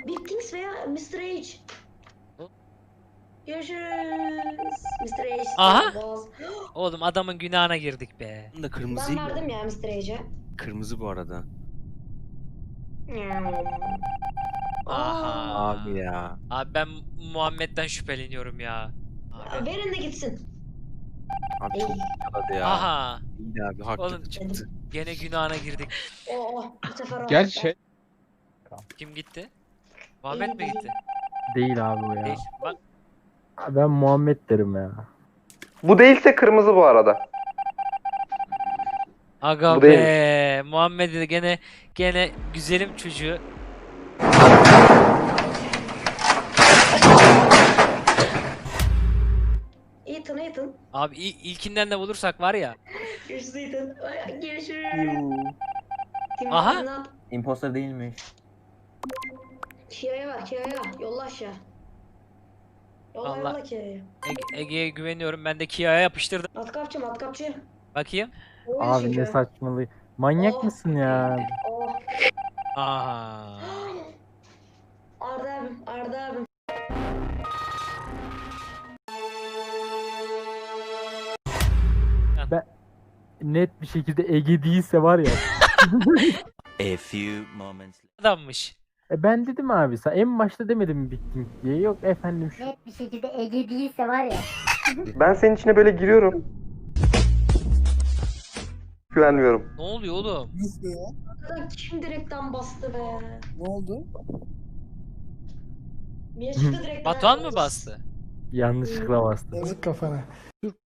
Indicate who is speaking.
Speaker 1: Bittings veya Mr. H.
Speaker 2: Hı?
Speaker 1: Görüşürüz. Mr. H.
Speaker 2: Aha!
Speaker 1: Boz.
Speaker 2: Oğlum adamın günahına girdik be.
Speaker 3: Bunun da
Speaker 1: Ben
Speaker 3: kırmızıyı
Speaker 1: verdim ya Mr. H'e.
Speaker 3: Kırmızı bu arada.
Speaker 2: Aha.
Speaker 3: Abi ya.
Speaker 2: Abi ben Muhammed'den şüpheleniyorum ya. Abi.
Speaker 1: Verin de gitsin.
Speaker 3: Abi çok yakaladı ya.
Speaker 2: Aha.
Speaker 3: İyi abi haklı
Speaker 2: Oğlum.
Speaker 3: çıktı.
Speaker 2: Gene günahına girdik.
Speaker 1: Bu sefer o.
Speaker 4: Gerçi şey
Speaker 2: Kim gitti? Muhammed mi gitti?
Speaker 5: Değil abi bu ya.
Speaker 2: Değil. Bak
Speaker 5: Ben Muhammed derim ya.
Speaker 6: Bu değilse kırmızı bu arada.
Speaker 2: aga
Speaker 6: Bu
Speaker 2: be.
Speaker 6: değilmiş.
Speaker 2: Muhammed de gene güzelim çocuğu.
Speaker 1: Ethan.
Speaker 2: Abi ilkinden de bulursak var ya.
Speaker 1: Görüşürüz Ethan. Görüşürüz. Tim
Speaker 2: Aha.
Speaker 1: Martin up.
Speaker 7: Imposter değilmiş.
Speaker 1: Kia'ya ver Kia'ya. Yolla aşağı. Yolla
Speaker 2: Allah.
Speaker 1: yolla Kia'ya.
Speaker 2: Ege'ye güveniyorum. Ben de Kia'ya yapıştırdım.
Speaker 1: Matkapçı.
Speaker 2: Bakayım.
Speaker 1: Oyun
Speaker 5: Abi
Speaker 1: çünkü.
Speaker 5: ne saçmalığı. Manyak
Speaker 1: Oh.
Speaker 5: mısın ya?
Speaker 1: Oh.
Speaker 2: Aha.
Speaker 1: Arda abim.
Speaker 5: Net bir şekilde Ege değilse var ya.
Speaker 3: A few moments
Speaker 2: Adammış.
Speaker 5: Ben dedim abi sen en başta demedim mi bittim diye. Yok efendim şu.
Speaker 8: Net bir şekilde Ege değilse var ya.
Speaker 6: Ben senin içine böyle giriyorum. Güvenmiyorum.
Speaker 2: Ne oluyor oğlum?
Speaker 9: Nasıl ya?
Speaker 1: Arkadan kim direkten bastı be?
Speaker 9: Ne oldu?
Speaker 1: Mia çıktı direkten.
Speaker 2: Batuhan mı bastı?
Speaker 5: Yanlışlıkla bastım.
Speaker 9: Yazık kafana. Türk